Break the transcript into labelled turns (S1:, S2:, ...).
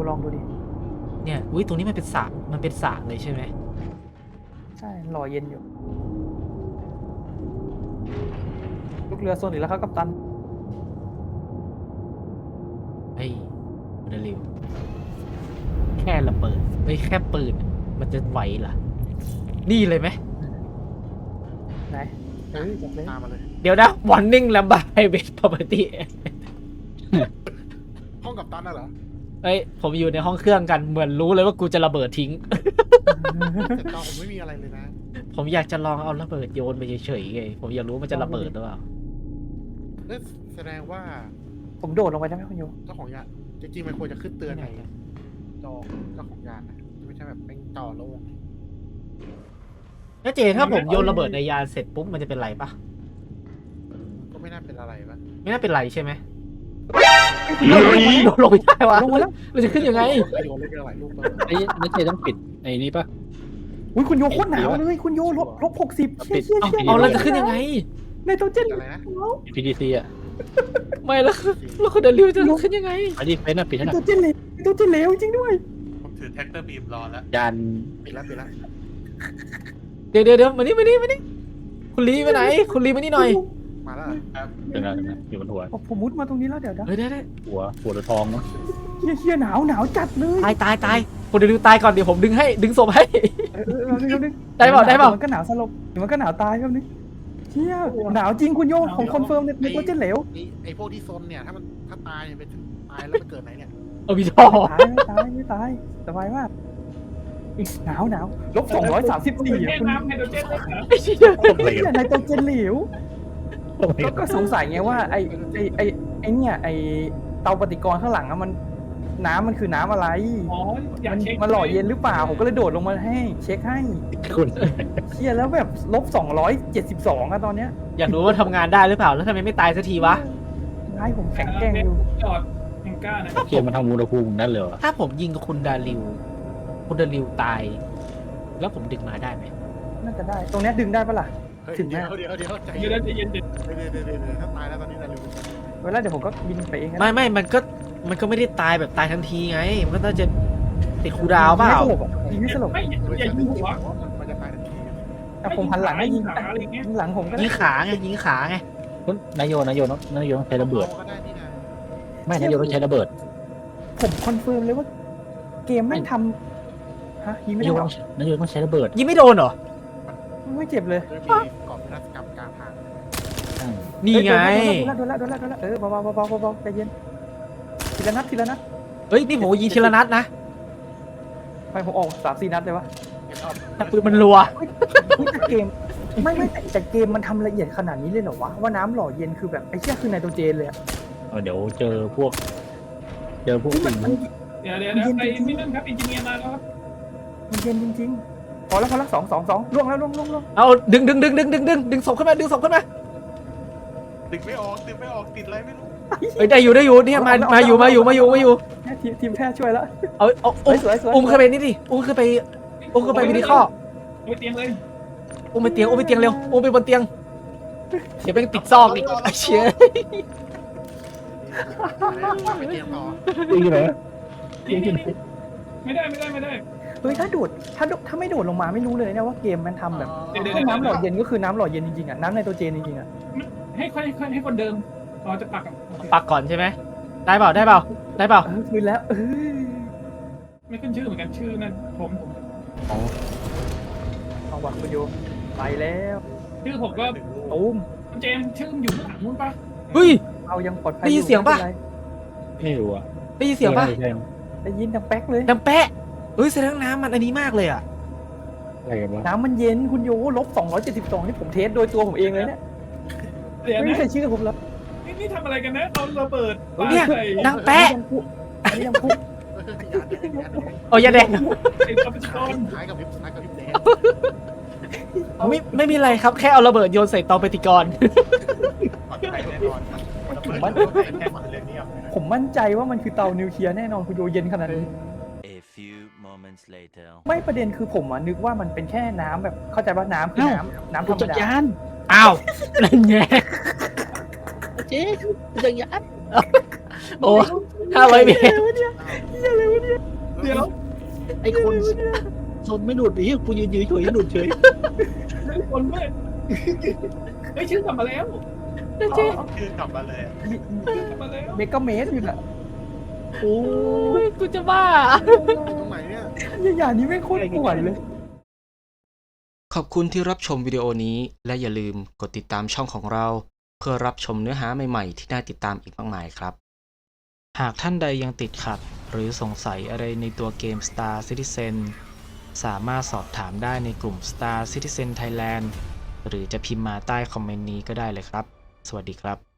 S1: ลองดูดิ
S2: เนี่ยอุ้ยตรงนี้มันเป็นสระเลยใช่ไหม
S1: ใช่หล่อเย็นอยู่ลูกเรือโซนอีกแล้วครับกัปตัน
S2: เฮ้ยเร็วแค่ระเบิดเฮ้ยแค่ปืนมันจะไหวเหรอนี่เลยไหม
S1: ไหนจับเลย
S3: ตามมาเลย
S2: เดี๋ยวนะ warning ลำบาก private property
S3: ห้องกับตันน่ะเหรอ
S2: เฮ้ยผมอยู่ในห้องเครื่องกันเหมือนรู้เลยว่ากูจะระเบิดทิ้ง
S3: แต่ตอนผมไม่มีอะไรเลยนะ
S2: ผมอยากจะลองเอาระเบิดโยนไปเฉยๆไงผมอยากรู้ว่ามันจะระเบิดหรือเปล่า
S3: นั่นแสดงว่า
S1: ผมโดดลงไปได้ไหมคุณโย
S3: เจ้าของยานจริงๆมันควรจะขึ้นเตือนในจอเจ้าของยานนะไม่ใช่แบบเป็นจอโล่ง
S2: แล้วเจถ้าผมโยนระเบิดในยานเสร็จปุ๊บมันจะเป็นไรปะ
S3: ก็ไม่น่าเป็นอะไรปะ
S2: ไม่น่าเป็นไรใช่ไหมโดดลงไปได้วะ
S1: ลงมาแล้ว
S2: เราจะขึ้นยังไง
S3: โยนเล่นกันหลายลูกเลย
S4: ไอ้นักเตะต้องปิดไอ้นี่ปะ
S1: อุ้ยคุณโยโคตรหนาวเลยคุณโยลบ60เชี่ย
S2: เอาเราจะขึ้นยังไง
S1: ในตัวเจน
S3: อะไรนะ
S4: PDC อ่ะ
S2: ไม่แล้วเราคนเดินริวจะขึ้นยังไง
S4: ไอ้นี่เฟซน่ะปิด
S1: ใน
S4: ให้หน่
S1: ตั
S4: อ
S1: วย เจนเหลวตัวเจนเหลวจริงด้วย
S5: ผมถือแท็กเตอร์บีมรอแล้ว
S4: ยาน
S3: ปิดแล้ว
S2: เดี๋ยวมานี่คุณลีไปไหนคุณลีมานี่หน่อย
S3: มาแล้ว
S4: เดี๋ยวนะอยู่บนหัว
S1: ผมมุดมาตรงนี้แล้วเดี๋ยวนะ
S2: เฮ้ยได้
S4: หัวหรือทองเนาะ
S1: เฮียหนาวจัดเลย
S2: ตายคนเดินริวตายก่อนเดี๋ยวผมดึงศพให้ ได้เปล่า
S1: มันก็หนาวสลบมันก็หนาวตายแบบนี้เฮียหนาวจริงคุณโยผมคอนเฟิร์มในตัวเจนเหลว
S3: ไอ้พวกที่ซนเนี่ยถ้าตายเป็นตายแล้วไปเกิดไหนเนี่ย
S2: เอาพี่ชอ
S1: ไม่ตายสบายมากหนาวลบ234
S6: คุณน้ำไฮโดรเจนเลยเหรอ
S2: ไอ้เชี่ย
S1: คุณในตัวเจนเหลวก็สงสัยไงว่าไอ้เนี่ยไอ้เตาปฏิกรณ์ข้างหลังอะมันน้ำมันคือน้ำอะไร
S6: อ๋ออยากเช็ค
S1: มันหล่อเย็นหรือเปล่าผมก็เลยโดดลงมาให้เช็คให้
S4: คุณ
S1: เชี่ยแล้วแบบลบ272อะตอนเนี้ย
S2: อยากรู้ว่าทำงานได้หรือเปล่าแล้วทำไมไม่ตายสักทีวะ
S1: ให้ผมแข็งแกร่งอยู่
S6: จอดแองก้านะ
S4: เกมมันทำอุณหภูมินั่นเลยเหรอ
S2: ถ้าผมยิงกับคุณดาริวตาย แล้วผมดึงมาได้ไหม
S1: น่าจะได้ ตรงเนี้ยดึงได้ปะล่ะ
S3: เดี๋ยวใจ
S6: เย็
S3: เย็
S6: น
S3: น
S6: ใจเย็น
S3: เดี๋ยวถ้าตายแล้วตอนนี้นะเร็ว
S1: เวลาเดี๋ยวผมก็บินไปเอง
S2: ไม่มันก็ไม่ได้ตายแบบตายทันทีไง มันก็น่าจะติดคูลดาวน์เปล่า
S1: ยิงไม่สลบ
S6: ไม่อย่ายิงหัว
S3: มันจะตายทันที
S1: แต่ผมหันหลังให้ยิง
S6: ขาอะไรเงี้ย
S1: ยิงหลังผมก็
S2: ยิ
S1: ได้
S2: งขาไง
S4: คุณนายโยต้องใช้ระเบิด
S3: ก็ได้นี่นะ
S4: ไม่นายโยต้องใช้ระเบิด
S1: ผมคอนเฟิร์มเลยว่าเกมไม่ทำฮะยิงไม่
S4: นายโย
S1: ได้
S4: ต้องใช้ระเบิด
S2: ยิงไม่โดนเหรอ
S1: ไม่เจ็บเลย
S3: โดยมีก่อนวินาศกรรมกลางทาง
S2: นี่ไง
S1: โดนแล้วเบาใจเย็นทีละนัด
S2: เฮ้ยนี่ผมยิงทีละนัดนะ
S1: ไปผมออก3-4 นัดเลยวะ
S2: แต่ปืนมันรัว
S1: แต่เกมไม่แต่เกมมันทำละเอียดขนาดนี้เลยเหรอวะว่าน้ำหล่อเย็นคือแบบไอ้เชี่ยคือไนโตรเจนเลยอะ
S4: เดี๋ยวเจอพวกสิ่ง
S1: มัน
S6: เดี๋ยวไปนี่นั่นครับอินจิเนียร์มาแล้วครับ
S1: มันเย็นจริงๆพอแล้ว2ล่วงแล้วล่วง
S2: เอาดึงศพขึ้นมา
S5: ดึงไม่ออกติดอะไรไม่รู้
S2: เฮ้ยได้อยู่เนี่ยมาอยู่
S1: ทีมแพทย์ช่วยแล้ว
S2: เอา
S1: สวย
S2: อุ้มขึ้นไปนี่ดิอุ้มขึ้นไปวิดีข้อ
S6: ไปเตียงเลย
S2: อุ้มไปเตียงเร็วอุ้มไปบนเตียงเดี๋ยวแม่งติดซอกอีกไอ้เชี่ย
S3: ไปเกมต่อ
S4: นี่เลย
S6: ไม่ได้
S1: เฮ้ยถ้าไม่โดดลงมาไม่รู้เลยนะว่าเกมมันทำแบบน้ำหล่อเย็นก็คือน้ำหล่อเย็นจริงๆอ่ะน้ำไนโตรเจนจริงๆอ่ะ
S6: ให้คนเดิมเราจะปัก
S2: ปักก่อนใช่ไหมได้เปล่า
S1: คืนแล้ว
S6: ไม่ขึ้นชื่อเหมือนกันชื่อนั่นผม
S1: เอาวัดประโยชน์ไปแล้ว
S6: ชื่อผมก็
S1: ตูม
S6: เจมชื่ออยู่ข้างหลังนู้นปะ
S2: เฮ้ย
S1: เอายังปลอดภัย
S2: ได้ยินเสียงปะ
S4: ไม่รู้อ่ะ
S2: ได้ยินเสียงป่ะ
S1: ได้ยินดังแป๊กเลย
S2: ดังแปะเฮ้ยแสดงน้ำมันอันนี้มากเลยอ่ะ
S4: อะไรกันวะ
S1: น้ำมันเย็นคุณโยลบ272นี่ผมเทสโดยตัวผมเองเลยเนี่ย
S6: เดี๋ยว
S1: ไม่มี
S6: นะ
S1: ใครเชื่อผมแล้ว
S6: นี่ทำอะไรกันนะเอาระเบิด
S2: เนี่ยดังแปะ
S1: อันนี้ดังพุ
S2: โอ้ยาแดง
S6: ไอ้กับชน
S3: ท้ายกับวิบแดง
S2: ไม่มีอะไรครับแค่เอาระเบิดโยนใส่เตาปฏิกรณ์
S5: ปลอดภัยแน่นอนมันแค่ฝันเรื่องนี้
S1: ผมมั่นใจว่ามันคือเตานิวเคลียร์แน่นอนคุณโยเย็นขนาดนี้
S7: A few moments later
S1: ไม่ประเด็นคือผมนึกว่ามันเป็นแค่น้ำแบบเข้าใจว่าน้ำคือน้ำธรรม
S4: จักร
S1: ดาย
S4: าน
S2: อ้าวนั่นไง
S4: เจ๊จักรยาน
S2: โอ้500 เมตร
S6: ดี๋ยว
S4: ไอ้คนชนไม่หลุดไอ้เหี้ยกูยืนเฉยๆหลุดเฉย
S6: ไม่คนไม่เฮ้ยชื่อกลับมาแล้ว
S5: คือกลับมาเลยอะ
S6: ชื่อกลับมาแล้ว
S1: เมกะเมตรอยู่น่ะ
S4: โอ้
S2: โอ้ยกูจะบ้า
S3: ตรงไหนเนี่ย
S1: อย่างนี้ไม่งโคตรป่วนเลย
S8: ขอบคุณที่รับชมวิดีโอนี้และอย่าลืมกดติดตามช่องของเรา เพื่อรับชมเนื้อหาใหม่ๆที่น่าติดตามอีกมากมายครับ หากท่านใดยังติดขัด หรือสงสัยอะไรในตัวเกม Star Citizen สามารถสอบถามได้ในกลุ่ม Star Citizen Thailand หรือจะพิมพ์มาใต้คอมเมนต์นี้ก็ได้เลยครับ สวัสดีครับ